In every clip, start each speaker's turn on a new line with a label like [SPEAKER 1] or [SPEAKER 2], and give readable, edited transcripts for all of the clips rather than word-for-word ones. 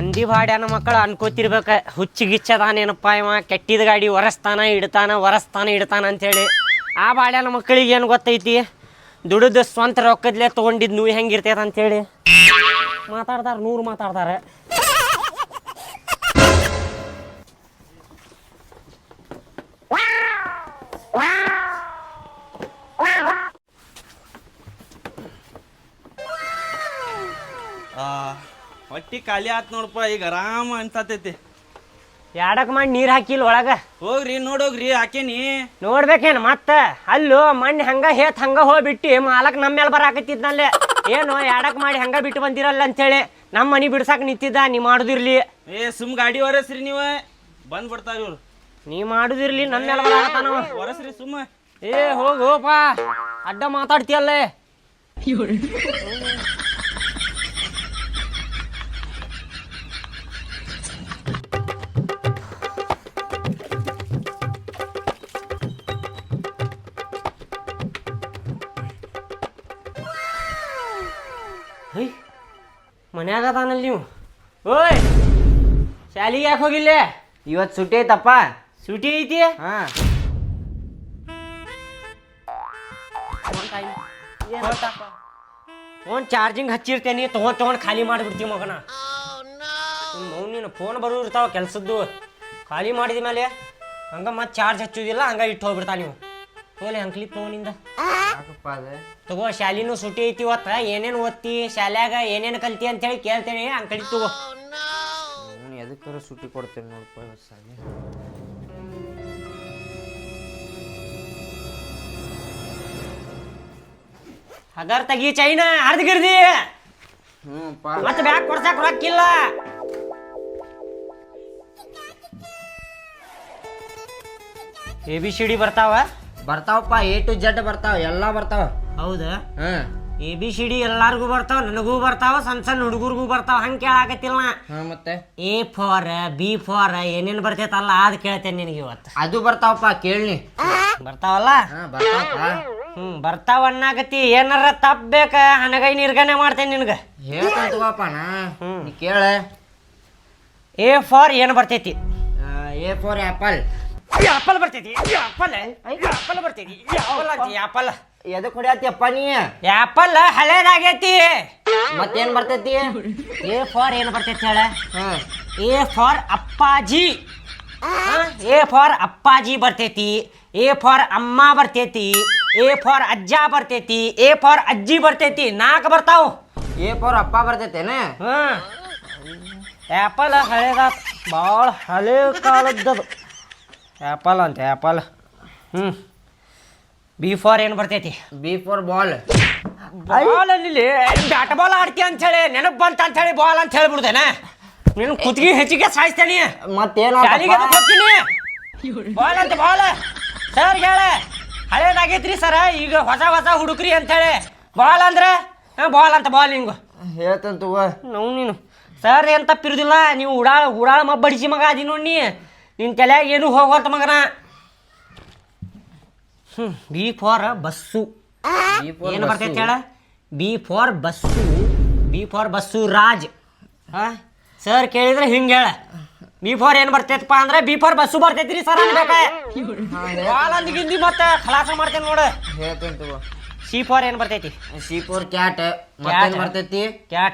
[SPEAKER 1] ಮಂದಿ ಬಾಡ್ಯಾನ ಮಕ್ಕಳು ಅನ್ಕೋತಿರ್ಬೇಕ ಹುಚ್ಚಿಗಿಚ್ಚದಾನೇನಪ್ಪ ಇವ ಕೆಟ್ಟಿದ ಗಾಡಿ ಒರೆಸ್ತಾನ ಇಡ್ತಾನ ಅಂತೇಳಿ. ಆ ಬಾಡ್ಯಾನ ಮಕ್ಕಳಿಗೆ ಏನು ಗೊತ್ತೈತಿ ದುಡಿದು ಸ್ವಂತ ರೊಕ್ಕದ್ಲೆ ತೊಗೊಂಡಿದ್ದು ನೀವು ಹೆಂಗಿರ್ತೈತೆ ಅಂಥೇಳಿ ಮಾತಾಡ್ತಾರೆ. 100 ಮಾತಾಡ್ತಾರೆ.
[SPEAKER 2] ಹೊಟ್ಟಿ ಖಾಲಿ ಆತ್ ನೋಡಪ್ಪ, ಈಗ ಆರಾಮ ಅನ್ಸತೈತಿ.
[SPEAKER 1] ಯಾಡಕ್ ಮಾಡಿ ನೀರು ಹಾಕಿಲ್ಲ ಒಳಗ.
[SPEAKER 2] ಹೋಗ್ರಿ ನೋಡೋಗ್ರಿ, ಹಾಕೇನಿ
[SPEAKER 1] ನೋಡ್ಬೇಕೇನು ಮತ್ತೆ. ಅಲ್ಲೂ ಮಣ್ಣು ಹಂಗ ಹೋಗ್ಬಿಟ್ಟು ಮಾಲಕ್ ನಮ್ಮ ಮೇಲೆ ಬರಾಕತ್ತಿದ್ನಲ್ಲೇ. ಏನು ಯಾಡಕ್ ಮಾಡಿ ಹಂಗ ಬಿಟ್ಟು ಬಂದಿರಲ್ಲ ಅಂತೇಳಿ ನಮ್ಮ ಮನೆ ಬಿಡ್ಸಾಕ ನಿಂತಿದ್ದ. ನೀ ಮಾಡುದಿರ್ಲಿ.
[SPEAKER 2] ಸುಮ್ ಗಾಡಿ ಹೊರಸ್ರಿ, ನೀವು ಬಂದ್ ಬಿಡ್ತಾರ ಇವ್ರು.
[SPEAKER 1] ನೀ ಮಾಡುದಿರ್ಲಿ, ನಮ್ಮ ಮೇಲೆ ಬರಾಕತ್ತಾನವ.
[SPEAKER 2] ಹೊರಸ್ರಿ ಸುಮ್ಮ.
[SPEAKER 1] ಹೋಗಪ್ಪ, ಅಡ್ಡ ಮಾತಾಡ್ತೀಯಲ್ಲೇ. ಮನ್ಯಾಗ ಅದಾನಲ್ಲಿ ನೀವು. ಓಯ್, ಶಾಲಿಗೆ ಯಾಕೆ ಹೋಗಿಲ್ಲ?
[SPEAKER 3] ಇವತ್ತು ಸುಟಿ ಐತಪ್ಪ.
[SPEAKER 1] ಸುಟಿ ಐತಿ?
[SPEAKER 3] ಹಾಂ.
[SPEAKER 1] ಫೋನ್ ಚಾರ್ಜಿಂಗ್ ಹಚ್ಚಿರ್ತೇನೆ, ತೊಗೊಂಡು ಖಾಲಿ ಮಾಡಿಬಿಡ್ತೀವಿ ಮಗನ. ನೀನು ಫೋನ್ ಬರೋದು ಇರ್ತಾವ ಕೆಲ್ಸದ್ದು. ಖಾಲಿ ಮಾಡಿದ ಮೇಲೆ ಹಂಗೆ ಮತ್ತೆ ಚಾರ್ಜ್ ಹಚ್ಚೋದಿಲ್ಲ, ಹಂಗೆ ಇಟ್ಟು ಹೋಗ್ಬಿಡ್ತಾ ನೀವು. ಹೋಗ್ಲಿ ಅಂಕ್ಲಿ ಫೋನಿಂದ ತಗೋ. ಶಾಲಿನೂ ಸುಟಿ ಐತಿ ಇವತ್ತು. ಏನೇನು ಓದ್ತಿ ಶಾಲ್ಯಾಗ, ಏನೇನು ಕಲ್ತಿ ಅಂತೇಳಿ ಕೇಳ್ತೇನೆ. ಅಂಕಳಿ ತಗೋ.
[SPEAKER 3] ಎದಕ್ಕಾರ ಸುಟಿ ಕೊಡ್ತೇನೆ ನೋಡಪ್ಪ ಇವತ್ತು ಸಾಲಿ.
[SPEAKER 1] ಹಗರ್ ತೆಗಿ ಚೈನ ಹರಿದ್ಗಿರ್ದಿ. ಮತ್ತೆ ಬ್ಯಾಗ್ ಕೊಡ್ಸಾಕ ರೊಕ್ಕಿಲ್ಲ. ABCD
[SPEAKER 3] ಬರ್ತಾವಪ್ಪ, A to Z ಬರ್ತಾವ, ಎಲ್ಲ ಬರ್ತಾವ.
[SPEAKER 1] ಹೌದಾ? ABCD ಎಲ್ಲಾರ್ಗು ಬರ್ತಾವ, ನನಗೂ ಬರ್ತಾವ, ಸಣ್ಣ ಹುಡುಗರ್ಗೂ ಬರ್ತಾವ. ಹಂಗೆ ಕೇಳಾಕತ್ತಿಲ್ಲ.
[SPEAKER 3] ಮತ್ತೆ
[SPEAKER 1] A for B for ಏನೇನು ಬರ್ತೈತಲ್ಲ ಅದು ಕೇಳ್ತೇನೆ ನಿನಗೆ ಇವತ್ತು.
[SPEAKER 3] ಅದು ಬರ್ತಾವಪ್ಪ, ಕೇಳಿ.
[SPEAKER 1] ಬರ್ತಾವಲ್ಲ? ಬರ್ತಾವ ಅನ್ನಾಗತಿ. ಏನಾರ ತಪ್ಪಬೇಕ ಹನಗೈ ನಿರ್ಗಣೆ ಮಾಡ್ತೇನೆ ನಿನಗೆ.
[SPEAKER 3] ಹೇಳ್ತಪ್ಪ ನಾ, ಕೇಳ.
[SPEAKER 1] A for ಏನು ಬರ್ತೈತಿ?
[SPEAKER 3] A for apple.
[SPEAKER 1] ಆಪಲ್ ಬರ್ತೈತಿ. ಆಪಲ್ ಬರ್ತೈತಿ. ಆಪಲ್
[SPEAKER 3] ಎದಕ್ ಹೊಡ್ಯಾತಿಯಪ್ಪ ನೀ?
[SPEAKER 1] ಆಪಲ್ ಹಳೇದಾಗೈತಿ.
[SPEAKER 3] ಮತ್ತೇನ್ ಬರ್ತೈತಿ?
[SPEAKER 1] A for ಏನು ಬರ್ತೈತಿ ಹೇಳ? A for ಅಪ್ಪಾಜಿ. A for ಅಪ್ಪಾಜಿ ಬರ್ತೈತಿ. A for ಅಮ್ಮ ಬರ್ತೈತಿ. A for ಅಜ್ಜ ಬರ್ತೈತಿ. A for ಅಜ್ಜಿ ಬರ್ತೈತಿ. 4 ಬರ್ತಾವ.
[SPEAKER 3] A for ಅಪ್ಪ ಬರ್ತೈತೇನ?
[SPEAKER 1] ಆ್ಯಪಲ್ ಹಳೇದ, ಭಾಳ ಹಳೆ ಕಾಲದ್ದದು ಆ್ಯಪಲ್ ಅಂತ. ಆ್ಯಪಲ್. B for ಏನು ಬರ್ತೈತಿ?
[SPEAKER 3] B for ball.
[SPEAKER 1] ಬಾಲ್ ಅಲ್ಲಿ ಬ್ಯಾಟ್ ಬಾಲ್ ಆಡ್ತಿ ಅಂಥೇಳಿ ನೆನಪು ಬಂತ ಅಂಥೇಳಿ ಬಾಲ್ ಅಂತ ಹೇಳ್ಬಿಡ್ತೇನೆ. ನೀನು ಕುತ್ತಿಗೆ ಹೆಚ್ಚಿಗೆ ಸಾಯಿಸ್ತೇನೆ.
[SPEAKER 3] ಮತ್ತೇನು
[SPEAKER 1] ಹೋಗ್ತೀನಿ. ಬಾಲ್ ಅಂತ ಬಾಲ್ ಸರ್ ಹೇಳ. ಹಳೇದಾಗೈತ್ರಿ ಸರ, ಈಗ ಹೊಸ ಹುಡುಕ್ರಿ ಅಂಥೇಳಿ. ಬಾಲ್ ಅಂದ್ರೆ ಬಾಲ್ ಅಂತ ಬಾಲ್ ಹಿಂಗು
[SPEAKER 3] ಹೇಳ್ತಂತ.
[SPEAKER 1] ನೀನು ಸರ್ ಏನು ತಪ್ಪಿರುದಿಲ್ಲ. ನೀವು ಉಡಾಳ ಮಬ್ಬಡಿಸಿ ಮಗ ಅದಿ ನೋಡಿ. ನಿನ್ನ ತಲೆಯಾಗ ಏನು ಹೋಗೋಂತ ಮಗನ. B for bus. ಏನು ಬರ್ತೈತೆ ಹೇಳ? B for bus. B for bus Raj. Sir ಕೇಳಿದ್ರೆ ಹಿಂಗೆ ಹೇಳ. B for ಏನು ಬರ್ತೈತಪ್ಪ ಅಂದ್ರೆ B for ಬಸ್ಸು ಬರ್ತೈತ್ರಿ ಸರ್ ಅನ್ಬೇಕ. ಬಾಲ್ ಅಂದ್ಗಿಂದಿ ಮತ್ತೆ ಖಲಾಸ ಮಾಡ್ತೇನೆ ನೋಡು.
[SPEAKER 3] ಹೇಳ್ತಂತ.
[SPEAKER 1] C for ಏನು ಬರ್ತೈತಿ?
[SPEAKER 3] C for cat. ಮತ್ತೇನು ಬರ್ತೈತಿ?
[SPEAKER 1] ಕ್ಯಾಟ್.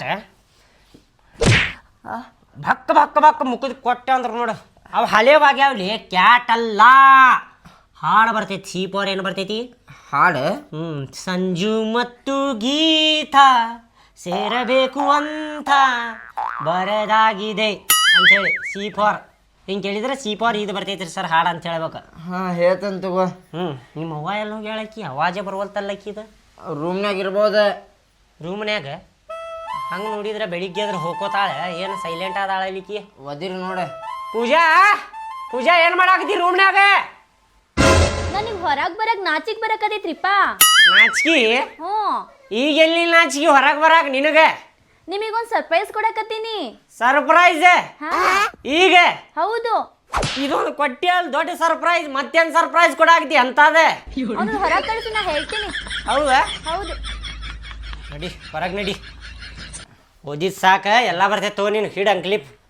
[SPEAKER 1] ಭಕ್ಕ ಮುಖದ ಕೊಟ್ಟೆ ಅಂದ್ರೆ ನೋಡು. ಅವು ಹಳೆವಾಗ್ಯಾವಲಿ. ಕ್ಯಾಟ್ ಅಲ್ಲ, ಹಾಡು ಬರ್ತೈತಿ. C for ಏನು ಬರ್ತೈತಿ?
[SPEAKER 3] ಹಾಡು.
[SPEAKER 1] ಸಂಜು ಮತ್ತು ಗೀತ ಸೇರಬೇಕು ಅಂತ ಬರದಾಗಿದೆ ಅಂತೇಳಿ C for. ಹಿಂಗೆ ಕೇಳಿದ್ರೆ C for ಇದು ಬರ್ತೈತ್ರಿ ಸರ್ ಹಾಡು ಅಂತ ಹೇಳ್ಬೇಕು.
[SPEAKER 3] ಹೇಳ್ತಂತ.
[SPEAKER 1] ನಿಮ್ಮ ಅವ್ವ ಎಲ್ಲ ಹೋಗಿ ಹೇಳಕ್ಕಿ ಅವಾಜೇ ಬರುವಲ್ತಲ್ಲಕ್ಕಿದ.
[SPEAKER 3] ರೂಮ್ನಾಗ ಇರ್ಬೋದ.
[SPEAKER 1] ರೂಮ್ನ್ಯಾಗ ಹಂಗೆ ನೋಡಿದ್ರೆ ಬೆಳಿಗ್ಗೆ ಅದ್ರ ಹೋಗೋತಾಳೆ. ಏನು ಸೈಲೆಂಟ್ ಆದಾಳಲಿಕ್ಕಿ.
[SPEAKER 3] ಒದಿರಿ ನೋಡ.
[SPEAKER 1] ಪೂಜಾ ಏನು ಮಾಡಾಕತ್ತಿ ರೂಮ್ನ್ಯಾಗ?
[SPEAKER 4] ನನಗೆ ಹೊರಗೆ ಬರಕ್ಕೆ ನಾಚಿಗೆ ಬರಕತೈತ್ರಿಪ್ಪ.
[SPEAKER 1] ನಾಚಿಕೆ? ಈಗ ಎಲ್ಲಿ ನಾಚಿಕೆ ಹೊರಗೆ ಬರಾಕ ನಿನಗೆ?
[SPEAKER 4] ನಿಮಗೊಂದು ಸರ್ಪ್ರೈಸ್ ಕೊಡಕತ್ತೀನಿ.
[SPEAKER 1] ಸರ್ಪ್ರೈಸ್? ಈಗ?
[SPEAKER 4] ಹೌದು.
[SPEAKER 1] ಇದೊಂದು ಕೊಟ್ಟಿ ಅಲ್ಲಿ ದೊಡ್ಡ ಸರ್ಪ್ರೈಸ್. ಮತ್ತೇನು ಸರ್ಪ್ರೈಸ್ ಕೊಡಾಕತ್ತಿ ಅಂತದೆ?
[SPEAKER 4] ಅವ್ನು ಹೊರಗೆ ಕಳಿಸಿ ನಾ ಹೇಳ್ತೀನಿ.
[SPEAKER 1] ಹೌದಾ?
[SPEAKER 4] ಹೌದು.
[SPEAKER 1] ನಡಿ ಹೊರಗೆ ನಡಿ. ಓದಿದ್ ಸಾಕ ಎಲ್ಲ ಬರ್ತೈತೆ ತಗೋ. ನೀನು ಹಿಡ್ ಅಂಕ್ಲಿಪ್.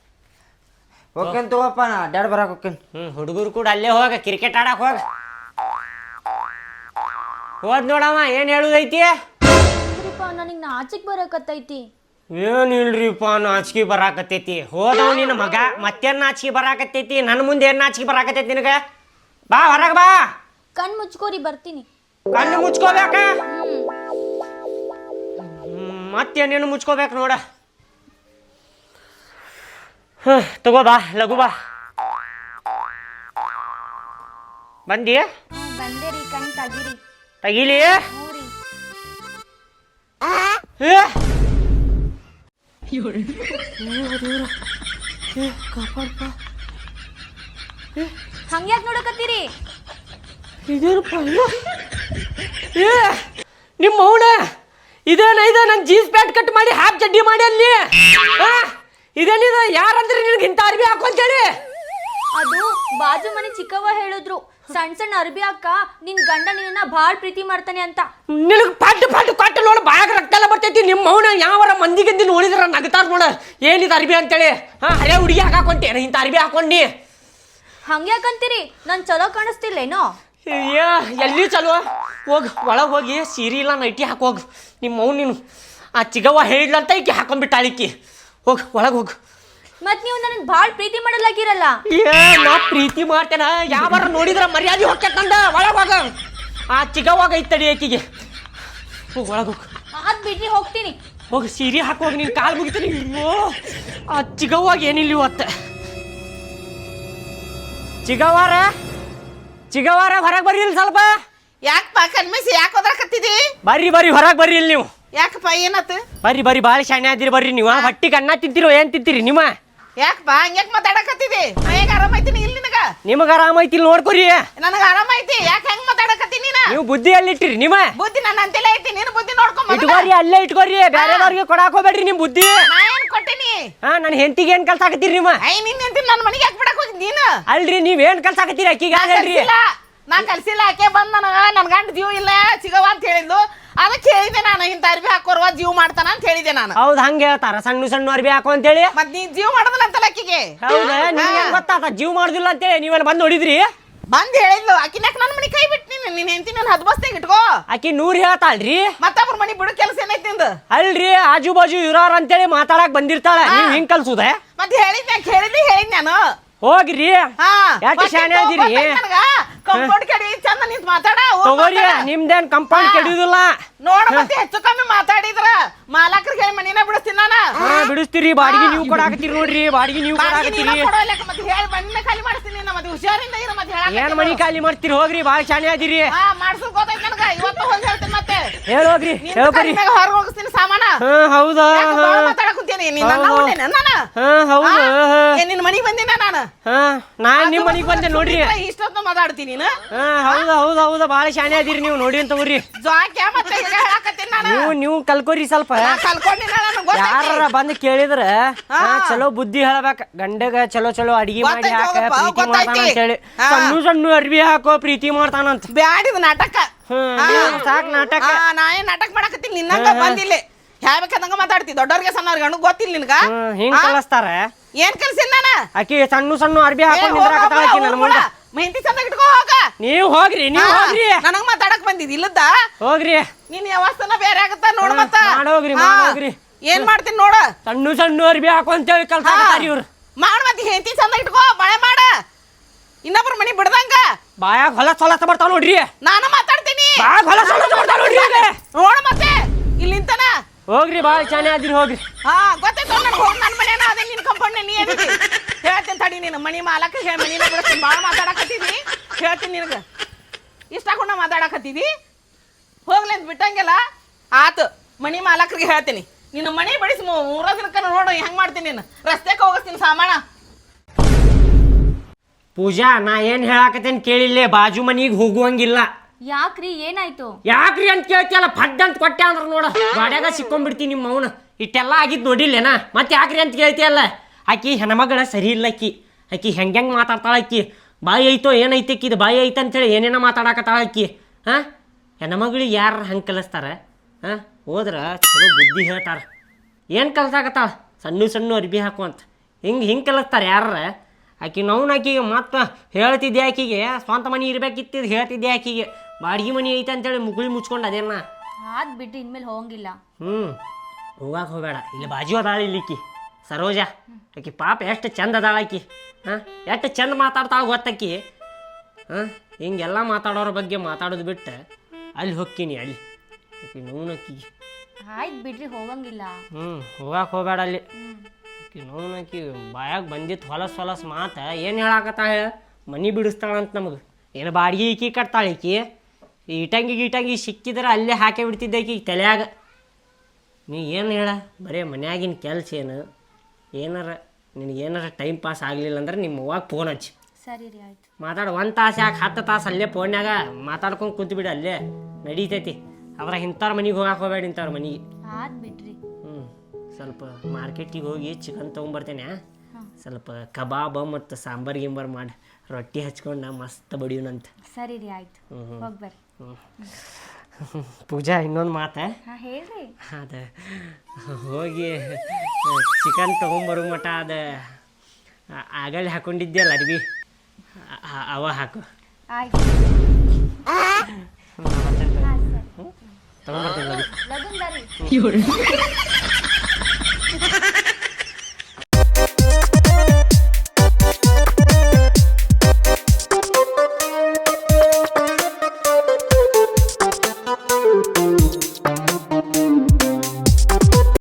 [SPEAKER 3] ಹೋಗ್ಕೇನ್ ತಗೋಪ್ಪ ನಾ ಅಡ್ಡಾಡ್ ಬರಾಕ್ ಹೋಗ್ಕೇನ್.
[SPEAKER 1] ಹುಡುಗರು ಕೂಡ ಅಲ್ಲೇ ಹೋಗ ಕ್ರಿಕೆಟ್ ಆಡಕ್ ಹೋಗ. ಹೋದ್ ನೋಡಮ್ಮ ಏನ್ ಹೇಳುದೈತಿ.
[SPEAKER 4] ರೀಪಾ ನನಗೆ ನಾಚಿಕ್ ಬರಕತ್ತೈತಿ.
[SPEAKER 1] ಏನಿಲ್ರಿಪ್ಪ ನಾಚಿಕೆ ಬರಾಕತ್ತೈತಿ. ಹೋದವ ನಿನ್ನ ಮಗ ಮತ್ತೇನ್ ನಾಚಿಕೆ ಬರಾಕತ್ತೈತಿ. ನನ್ನ ಮುಂದೆ ಏನ್ ನಾಚಿಕೆ ಬರಾಕತ್ತೈತಿ ನಿನಗ. ಬಾ ಹೊರಗ ಬಾ.
[SPEAKER 4] ಕಣ್ ಮುಚ್ಕೋರಿ ಬರ್ತೀನಿ.
[SPEAKER 1] ಕಣ್ಣು ಮುಚ್ಕೋಬೇಕ. ಮತ್ತೇನೇನು ಮುಚ್ಕೋಬೇಕು ನೋಡ. ತಗೋ ಬಾ ಲಘು ಬಾ. ಬಂದಿ
[SPEAKER 4] ಬಂದೆ ರೀ ಕಣ್ ತಗಿರಿ.
[SPEAKER 1] ತಗಿಲಿ.
[SPEAKER 4] ಹ್ಞೂರಿ. ಹಂಗ್ಯಾಕ್ ನೋಡಕತ್ತೀರಿ.
[SPEAKER 1] ನಿಮ್ಮ ಅವನ ಇದೇನ ನನ್ ಜೀನ್ಸ್ ಪ್ಯಾಂಟ್ ಕಟ್ ಮಾಡಿ ಹಾಫ್ ಚಡ್ಡಿ ಮಾಡಿ ಅಲ್ಲಿ ಇದೇನಿದ. ಯಾರಂದ್ರೆ ನಿನಗೆ ಇಂಥ ಅರ್ಬಿ ಹಾಕೊಂತೇಳಿ.
[SPEAKER 4] ಅದು ಬಾಜು ಮನೆ ಚಿಕ್ಕವ್ವ ಹೇಳಿದ್ರು ಸಣ್ಣ ಸಣ್ಣ ಅರ್ಬಿ ಅಕ್ಕ ನಿನ್ ಗಂಡ ನಿನ್ನ ಭಾಳ ಪ್ರೀತಿ ಮಾಡ್ತಾನೆ ಅಂತ.
[SPEAKER 1] ನಿನಗೆ ಪಟ್ಟು ಪಟ್ಟು ಕೊಟ್ಟು ನೋಡ ಬಾಯಾಗ ರಕ್ತ ಎಲ್ಲ ಬರ್ತೈತಿ. ನಿಮ್ಮ ಅವನ ಯಾವರ ಮಂದಿಗಿಂದ ನೋಡಿದ್ರ ನಗತಾರ ನೋಡ ಏನಿದ ಅರ್ಬಿ ಅಂತೇಳಿ. ಹರೇ ಹುಡುಗಿ ಹಾಕೊಂತೇನೆ ಇಂಥ ಅರ್ಬಿ ಹಾಕೊಂಡಿ.
[SPEAKER 4] ಹಂಗ್ಯಾಕಂತೀರಿ ನನ್ ಚಲೋ ಕಾಣಿಸ್ತಿಲ್ಲೇನೋ.
[SPEAKER 1] ಎಲ್ಲಿ ಚಲೋ ಹೋಗಿ ಒಳಗೆ ಹೋಗಿ ಸೀರೆ ಇಲ್ಲ ನೈಟಿ ಹಾಕೋಗಿ. ನಿಮ್ಮ ಅವ್ನು ನೀನು ಆ ಚಿಗವ್ವ ಹೇಳಿದ್ಲಂತ ಈಕಿ ಹಾಕೊಂಡ್ಬಿಟ್ಟಾಳಿಕ್ಕಿ. ಹೋಗಿ ಒಳಗೆ ಹೋಗು.
[SPEAKER 4] ಮತ್ ನೀವು ನನಗೆ ಭಾಳ ಪ್ರೀತಿ ಮಾಡಲಾಗಿರಲ್ಲ.
[SPEAKER 1] ನಾ ಪ್ರೀತಿ ಮಾಡ್ತೇನ ಯಾವಾರ ನೋಡಿದ್ರ ಮರ್ಯಾದೆ ಹೊಕ್ಕಂದ. ಒಳಗೆ ಹೋಗ. ಆ ಚಿಗವ್ವಾಗ ಐತಡಿ ಆಕಿಗೆ. ಹೋಗಿ ಒಳಗೆ ಹೋಗು.
[SPEAKER 4] ಅದ್ ಬಿಡ್ರಿ ಹೋಗ್ತೀನಿ.
[SPEAKER 1] ಹೋಗಿ ಸೀರೆ ಹಾಕೋಗಿ ನೀನು ಕಾಲು ಮುಗಿತೀನಿ. ಆ ಚಿಗವ್ವಾಗ ಏನಿಲ್ಲ ಇವತ್ತು. ಚಿಗವಾರ ಹೊರಗೆ ಬರ್ರಿ ಇಲ್ಲಿ ಸ್ವಲ್ಪ.
[SPEAKER 5] ಯಾಕಪ್ಪ ಕಣ್ಮೇಸಿ ಯಾಕೆ ಓದಾಕತ್ತಿದಿ?
[SPEAKER 1] ಬರ್ರಿ ಹೊರಗೆ ಬರ್ರಿ ಇಲ್ಲಿ ನೀವು.
[SPEAKER 5] ಯಾಕಪ್ಪ ಏನಾತು?
[SPEAKER 1] ಬರ್ರಿ ಭಾಳ ಶಾಣೆ ಆದಿರಿ ಬರ್ರಿ ನೀವು. ಹೊಟ್ಟಿಗೆ ಅನ್ನ ತಿಂತೀರೋ ಏನ್ ತಿಂತೀರಿ ನಿಮ್ಮ?
[SPEAKER 5] ಯಾಕಪ್ಪ ಹಂಗ್ಯಾಕ್ ಮಾತಾಡಕತ್ತಿದಿ? ಮೈಯಾಗ ಆರಾಮೈತಿನಿ ಇಲ್ಲ ನಿನಗ?
[SPEAKER 1] ನಿಮಗೆ ಆರಾಮೈತಿ ಇಲ್ಲಿ ನೋಡ್ಕೊರಿ.
[SPEAKER 5] ನನಗ ಆರಾಮೈತಿ. ಯಾಕೆ ಹೆಂಗ್ ಮಾತಾಡಕತ್ತಿ ನೀನ?
[SPEAKER 1] ನೀವು ಬುದ್ಧಿ ಎಲ್ಲಿಟ್ಟಿರಿ ನಿಮ್ಮ?
[SPEAKER 5] ಬುದ್ಧಿ ನನ್ನ ಅಂತೆಲ್ಲ ಐತಿ. ನೀನು ಬುದ್ಧಿ ನೋಡ್ಕೊಂಡ್
[SPEAKER 1] ಇಟ್ಕೋರಿ ಅಲ್ಲೇ ಇಟ್ಕೋರಿ. ಬೇರೆದವ್ರಿಗೆ ಕೊಡಾಕ್ ಹೋಗ್ಬೇಡ್ರಿ ನಿಮ್ ಬುದ್ಧಿ.
[SPEAKER 5] ನಾ ಏನ್ ಕೊಟ್ಟಿನಿ?
[SPEAKER 1] ನನ್ನ ಹೆಂಡತಿಗೆ ಏನ್ ಕಲ್ಸಾಕತ್ತೀರಿ ನಿಮ್ಮ?
[SPEAKER 5] ನಿನ್ನ ಹೆಂಡತಿ ನನ್ನ ಮನೆಗೆ ಯಾಕೆ ಬಿಡಕ್ ಹೋಗಿದ್ ನೀನು?
[SPEAKER 1] ಅಲ್ರಿ ನೀವೇನ್ ಕಲ್ಸಾಕತ್ತೀರಿ ಅಕ್ಕಿಗೆ ಹೇಳ್ರಿ.
[SPEAKER 5] ನಾ ಕಲ್ಸಿಲ್ಲ. ಆಕೆ ಬಂದ್ ನನ್ ಗಂಡ ಜೀವ ಇಲ್ಲ ಸಿಗವ ಅಂತ ಹೇಳಿದ್ಲು. ಅದಕ್ಕೆ ಹೇಳಿದೆ ನಾನು ಇಂಥ ಅರ್ಬಿ ಹಾಕೋರ್ವ ಜೀವ ಮಾಡ್ತಾನ ಅಂತ ಹೇಳಿದೆ ನಾನು.
[SPEAKER 1] ಹೌದ್ ಹಂಗ ಹೇಳ್ತಾರ ಸಣ್ಣ ಸಣ್ಣ ಅರ್ಬಿ ಹಾಕೋ ಅಂತೇಳಿ.
[SPEAKER 5] ಮತ್ ನೀ ಜೀವ ಮಾಡೋದಿಲ್ಲ ಅಂತಲ್ಲ ಆಕಿಗೆ.
[SPEAKER 1] ಹೌದಾ ನಿಮ್ಗೆ ಗೊತ್ತಾತ ಜೀವ ಮಾಡುದಿಲ್ಲ ಅಂತೇಳಿ. ನೀವೇನ್ ಬಂದ್ ನೋಡಿದ್ರಿ?
[SPEAKER 5] ಬಂದ್ ಹೇಳಿದ್ಲು. ಆಕಿನ್ಯಾಕ ನನ್ನ ಮನೆ ಕೈ ಬಿಟ್ಟು ನೀನ್ ಹೆಂಡತಿ ನನ್ನ ಹದ್ಬಸ್ತಾಗ ಇಟ್ಕೋ.
[SPEAKER 1] ಆಕಿ 100 ಹೇಳ್ತಾಳ್ರಿ.
[SPEAKER 5] ಮತ್ತೊಬ್ರ ಮನಿ ಬಿಡು ಕೆಲಸ ಏನೈತಿ ನಿಂದು?
[SPEAKER 1] ಅಲ್ರಿ ಆಜು ಬಾಜು ಇರೋರ್ ಅಂತೇಳಿ ಮಾತಾಡಕ್ ಬಂದಿರ್ತಾಳ. ನೀವ್ ಹಿಂಗ್ ಕಲ್ಸುದ?
[SPEAKER 5] ಮತ್ತೆ ಹೇಳಿದ್ ನಾನು.
[SPEAKER 1] ಹೋಗ್ರಿ. ಯಾಕೆ ಶಾಣೆ ಅದಿರಿ?
[SPEAKER 5] ಕಂಪೌಂಡ್ ಕಡೆ ಚಂದ ನಿಂತ ಮಾತಾಡ.
[SPEAKER 1] ತಗೋರಿ ನಿಮ್ದೇನ್ ಕಂಪೌಂಡ್ ಕೆಡುದಿಲ್ಲ.
[SPEAKER 5] ನೋಡ ಮತ್ತೆ ಹೆಚ್ಚು ಕಮ್ಮಿ ಮಾತಾಡಿದ್ರ ಮಾಲಕರಿಗೆ ಹೇಳಿ ಮನಿನ ಬಿಡಿಸ್ತೀನಿ ನಾನು.
[SPEAKER 1] ಬಿಡಿಸ್ತೀರಿ. ಬಾಡಿಗೆ ನೀವು ಕೊಡಾಕತ್ತೀರಿ ನೋಡ್ರಿ. ಬಾಡಿಗೆ ನೀವು ಕೊಡಾಕತ್ತೀರಿ.
[SPEAKER 5] ಮತ್ತೆ ಹೇಳಿ ಮನಿನ ಖಾಲಿ ಮಾಡಿಸ್ತೀನಿ. ಮತ್ತೆ ಹುಷಾರಿಂದ ಇರ. ಮತ್ತೆ
[SPEAKER 1] ಏನ್ ಮನಿ ಖಾಲಿ ಮಾಡ್ತೀರಿ? ಹೋಗ್ರಿ ಭಾಳ ಶಾಣೆ ಅದಿರಿ.
[SPEAKER 5] ಮಾಡ್ಸೋದ್ ಗೊತ್ತೈತಿ ನನಗ. ಇವತ್ತು ಹೋಗಿ ಹೇಳ್ತೀನಿ. ಮತ್ತೆ
[SPEAKER 1] ಹೇಳೋಗ್ರಿ ಹೇಳ್ಕೊರಿ.
[SPEAKER 5] ಹೊರಗೆ ಹೋಗಿಸ್ತೀನಿ ಸಾಮಾನ.
[SPEAKER 1] ಹೌದಾ
[SPEAKER 5] ಮಾತಾಡಕ್ ಕುಂತೀನಿ. ನಿನ್ನ ಮನಿಗೆ ಬಂದಿನ ನಾನು.
[SPEAKER 1] ನಾನ್ ನಿಮ್ ಮನಿಗ್ ಬಂದೆ ನೋಡ್ರಿ.
[SPEAKER 5] ಇಷ್ಟೊತ್ತು ಮಾತಾಡ್ತೀನಿ ನೀನು.
[SPEAKER 1] ಹೌದಾ ಭಾಳ ಶಾಣೆ ಅದಿರಿ ನೀವು. ನೋಡಿ ಅಂತ ತಗೋರಿ. ನೀವು ಕಲ್ಕೋರಿ ಸ್ವಲ್ಪ. ಯಾರ ಬಂದ್ ಕೇಳಿದ್ರ ಚಲೋ ಬುದ್ಧಿ ಹೇಳಬೇಕ. ಗಂಡಗ ಚಲೋ ಅಡಿಗೆ ಮಾಡಿ ಹಾಕ ಪ್ರೀತಿ ಮಾಡ್ತಾನ ಅಂತೇಳಿ. ಸಣ್ಣ ಅರ್ಬಿ ಹಾಕೋ ಪ್ರೀತಿ ಮಾಡ್ತಾನಂತ.
[SPEAKER 5] ಬ್ಯಾಡಿದ ನಾಟಕ.
[SPEAKER 1] ಸಾಕ್ ನಾಟಕ.
[SPEAKER 5] ನಾ ಏನ್ ನಾಟಕ ಮಾಡಕತ್ತೀನಿ? ನಿನ್ನಂಗ ಬಂದಿಲ್ಲ. ಯಾವ್ಬೇಕಂದಂಗ ಮಾತಾಡ್ತಿ. ದೊಡ್ಡವ್ರಿಗೆ ಸಣ್ಣವ್ರಿಗೆ ಗಂಡು ಗೊತ್ತಿಲ್ಲ ನಿನ್ಗ.
[SPEAKER 1] ಹಿಂಗ್ ಕಲಿಸ್ತಾರ.
[SPEAKER 5] ಏನ್ ಕಲ್ಸಿನ ನಾನು?
[SPEAKER 1] ಆಕಿ ಸಣ್ಣ ಅರ್ಬಿ ಹಾಕೊಂಡ್ ನಿಂದ್ರಾಕತ್ತಾಳ ಆಕಿ ನನ್ನ ಮುಂದೆ.
[SPEAKER 5] ಮೆಹಂದಿ ಚಂದ ಇಟ್ಕೋ ಹೋಗ.
[SPEAKER 1] ನೀವ್ ಹೋಗ್ರಿ.
[SPEAKER 5] ನನಗ್ ಮಾತಾಡಕ್ ಬಂದಿದ್ ಇಲ್ಲದ?
[SPEAKER 1] ಹೋಗ್ರಿ.
[SPEAKER 5] ನಿನ್ ವ್ಯವಸ್ಥೆನ ಬೇರೆ ಆಗತ್ತ ನೋಡ್. ಮತ್ತ
[SPEAKER 1] ಮಾಡೋಗ್ರಿ.
[SPEAKER 5] ಏನ್ ಮಾಡ್ತೀನಿ ನೋಡ.
[SPEAKER 1] ಸಣ್ಣ ಅರ್ಬಿ ಹಾಕೊಂತೇಳಿ ಕಲ್ಸಾಕತ್ತಾರ ಇವ್ರು.
[SPEAKER 5] ಮಾಡ್ ಮತ್ತೆ ಹೆಂಡತಿ ಚಂದ ಇಟ್ಕೋ. ಮಳೆ ಮಾಡ. ಇನ್ನೊಬ್ರ ಮನಿ ಬಿಡ್ದಂಗ.
[SPEAKER 1] ಬಾಯಾಗ ಹೊಲಸ ಬರ್ತಾವ ನೋಡ್ರಿ.
[SPEAKER 5] ನಾನು ಮಾತಾಡ್ತೀನಿ.
[SPEAKER 1] ಹೊಲಸ ಬರ್ತಾವ ನೋಡ್ರಿ.
[SPEAKER 5] ನೋಡ ಮತ್ತೆ ಇಲ್ಲಿಂತನ
[SPEAKER 1] ಹೋಗ್ರಿ. ಭಾಳ ಚೆನ್ನಾಗಿ ಅದಿರಿ ಹೋಗ್ರಿ.
[SPEAKER 5] ಗೊತ್ತಾಯ್ತು ನನಗೆ. ಹೋಗಿ ನನ್ನ ಮನೇನ ಅದೇ ನಿನ್ ಕಂಪೌಂಡ್ ನೀ ಏನಿತಿ ಹೇಳ್ತೀನಿ ತಡಿ. ನೀನು ಮನಿ ಮಾಲಕ ಹೇಳಿ ಮನಿನ ಬಿಡಿಸ್ತೀನಿ. ಭಾಳ ಮಾತಾಡಕತ್ತಿದಿ. ಹೇಳ್ತೀನಿ ನಿನಗೆ. ಇಷ್ಟ ಹಾಕೊಂಡ ಮಾತಾಡಕತ್ತಿದಿ. ಹೋಗ್ಲಿ ಅಂತ ಬಿಟ್ಟಂಗೆಲ್ಲ ಆತು. ಮನಿ ಮಾಲಕರಿಗೆ ಹೇಳ್ತೀನಿ. ನಿನ್ನ ಮನಿ ಬಿಡಿಸಿ 3 ದಿನಕ್ಕ ನೋಡು ಹೆಂಗ್ ಮಾಡ್ತೀನಿ. ನೀನು ರಸ್ತೆಗೆ ಹೋಗಿಸ್ತೀನಿ ಸಾಮಾನ.
[SPEAKER 1] ಪೂಜಾ ನಾ ಏನ್ ಹೇಳಾಕತ್ತೇನ್ ಕೇಳಿಲ್ಲೇ. ಬಾಜು ಮನಿಗೆ ಹೋಗುವಂಗಿಲ್ಲ.
[SPEAKER 4] ಯಾಕ್ರಿ ಏನಾಯ್ತು?
[SPEAKER 1] ಯಾಕ್ರಿ ಅಂತ ಕೇಳ್ತಿಯಲ್ಲ. ಫಡ್ ಅಂತ ಕೊಟ್ಟೆ ಅಂದ್ರ ನೋಡ ಗಾಡ್ಯಾಗ ಸಿಕ್ಕೊಂಡ್ಬಿಡ್ತೀನಿ ನಿಮ್ಮ ಅವನ. ಇಟ್ಟೆಲ್ಲ ಆಗಿದ್ ನೋಡಿಲ್ಲೇನಾ? ಮತ್ತೆ ಯಾಕ್ರಿ ಅಂತ ಕೇಳ್ತಿಯಲ್ಲ. ಆಕಿ ಹೆಣ್ಮಗಳ ಸರಿ ಇಲ್ಲ. ಆಕಿ ಹೆಂಗೆ ಮಾತಾಡ್ತಾಳ. ಆಕಿ ಬಾಯಿ ಐತೋ ಏನೈತಿ ಇದು ಬಾಯಿ ಐತೆ ಅಂತೇಳಿ ಏನೇನೋ ಮಾತಾಡಕತ್ತಾಳ ಆಕಿ. ಹೆಣ್ಮಗಳಿಗೆ ಯಾರು ಹಂಗೆ ಕಲಿಸ್ತಾರ? ಹೋದ್ರ ಚಲೋ ಬುದ್ಧಿ ಹೇಳ್ತಾರ. ಏನು ಕಲ್ಸಾಕತ್ತಾಳ? ಸಣ್ಣ ಅರ್ಬಿ ಹಾಕು ಅಂತ ಹಿಂಗೆ ಕಲಿಸ್ತಾರೆ ಯಾರ? ಆಕಿ ನೋವು ಆಕಿಗೆ ಮತ್ತೆ ಹೇಳ್ತಿದ್ದೆ ಆಕಿಗೆ ಸ್ವಂತ ಮನೆ ಇರ್ಬೇಕಿತ್ತಿದ್ದು ಹೇಳ್ತಿದ್ದೆ ಆಕಿಗೆ ಬಾಡಿಗೆ ಮನೆ ಐತೆ ಅಂತೇಳಿ ಮುಗುಳಿ ಮುಚ್ಕೊಂಡು ಅದೇನ
[SPEAKER 4] ಆದ್ ಬಿಟ್ರಿ ಇನ್ಮೇಲೆ ಹೋಗಂಗಿಲ್ಲ.
[SPEAKER 1] ಹೋಗಾಕ ಹೋಗಬೇಡ, ಇಲ್ಲಿ ಬಾಜು ಅದಾಳ ಇಲ್ಲಿಕ್ಕಿ ಸರೋಜ. ಆಕಿ ಪಾಪ ಎಷ್ಟು ಚಂದ ಅದಾಳ ಆಕಿ. ಎಷ್ಟು ಚಂದ ಮಾತಾಡ್ತಾಳ ಗೊತ್ತಕ್ಕಿ. ಹಿಂಗೆಲ್ಲ ಮಾತಾಡೋರ ಬಗ್ಗೆ ಮಾತಾಡೋದು ಬಿಟ್ಟು ಅಲ್ಲಿ ಹೊಕ್ಕೀನಿ ಅಲ್ಲಿ ಆಕಿ ನೋವ್ನಕ್ಕಿಗೆ.
[SPEAKER 4] ಆಯ್ತು ಬಿಡ್ರಿ ಹೋಗಂಗಿಲ್ಲ.
[SPEAKER 1] ಹೋಗಾಕ ಹೋಗಬೇಡ ಅಲ್ಲಿ. ಆಕಿ ನೋವ್ನಕ್ಕಿ ಬಾಯಾಗ ಬಂದಿತ್ತು ಹೊಲಸ್ ಮಾತು ಏನು ಹೇಳಾಕತ್ತಾಳ ಹೇಳ, ಮನೆ ಬಿಡಿಸ್ತಾಳಂತ ನಮಗೆ. ಏನು ಬಾಡಿಗೆ ಈಕಿ ಕಟ್ತಾಳೆ ಈಕಿ. ಇಟಂಗಿ ಸಿಕ್ಕಿದ್ರೆ ಅಲ್ಲೇ ಹಾಕೇ ಬಿಡ್ತಿದ್ದೆ ಈಕಿ ತಲೆಯಾಗ. ನೀ ಏನು ಹೇಳ, ಬರೀ ಮನ್ಯಾಗಿನ ಕೆಲಸ ಏನು ಏನಾರ ನಿನಗೇನಾರ ಟೈಮ್ ಪಾಸ್ ಆಗಲಿಲ್ಲ ಅಂದ್ರೆ ನಿಮ್ಮ ಅವ್ವಾಗ ಫೋನ್ ಹಚ್ಚಿ.
[SPEAKER 4] ಸರಿ ರೀ ಆಯ್ತು.
[SPEAKER 1] ಮಾತಾಡು 1 ತಾಸು ಯಾಕೆ 10 ತಾಸು ಅಲ್ಲೇ ಫೋನ್ಯಾಗ ಮಾತಾಡ್ಕೊಂಡು ಕೂತ್ಬಿಡು, ಅಲ್ಲೇ ನಡೀತೈತಿ. ಅದ್ರಾಗ ಇಂಥವ್ರ ಮನೆಗೆ ಹೋಗಾಕ ಹೋಗಬೇಡ, ಇಂಥವ್ರ ಮನೆಗೆ.
[SPEAKER 4] ಆದ್ ಬಿಡ್ರಿ.
[SPEAKER 1] ಸ್ವಲ್ಪ ಮಾರ್ಕೆಟಿಗೆ ಹೋಗಿ ಚಿಕನ್ ತೊಗೊಂಬರ್ತೇನೆ. ಸ್ವಲ್ಪ ಕಬಾಬ್ ಮತ್ತು ಸಾಂಬಾರು ಗಿಂಬಾರು ಮಾಡಿ ರೊಟ್ಟಿ ಹಚ್ಕೊಂಡು ಮಸ್ತ್ ಬಡಿಯೋಣಂತ.
[SPEAKER 4] ಸರಿ ರೀ ಆಯ್ತು, ಹೋಗ್ಬರ್ರಿ.
[SPEAKER 1] ಪೂಜಾ ಇನ್ನೊಂದು ಮಾತು.
[SPEAKER 4] ಹೇಳ್ರಿ.
[SPEAKER 1] ಅದು ಹೋಗಿ ಚಿಕನ್ ತೊಗೊಂಬರೋ ಮಟ ಅದು ಆಗಲ್ಲಿ ಹಾಕೊಂಡಿದ್ಯಲ್ಲ ಅರ್ಬಿ ಅವ ಹಾಕು.
[SPEAKER 4] ಆಯ್ತು
[SPEAKER 1] ತೊಗೊಂಬರ್ತೀನಿ.
[SPEAKER 4] ಲಗುನ್ ಬರ್ರಿ.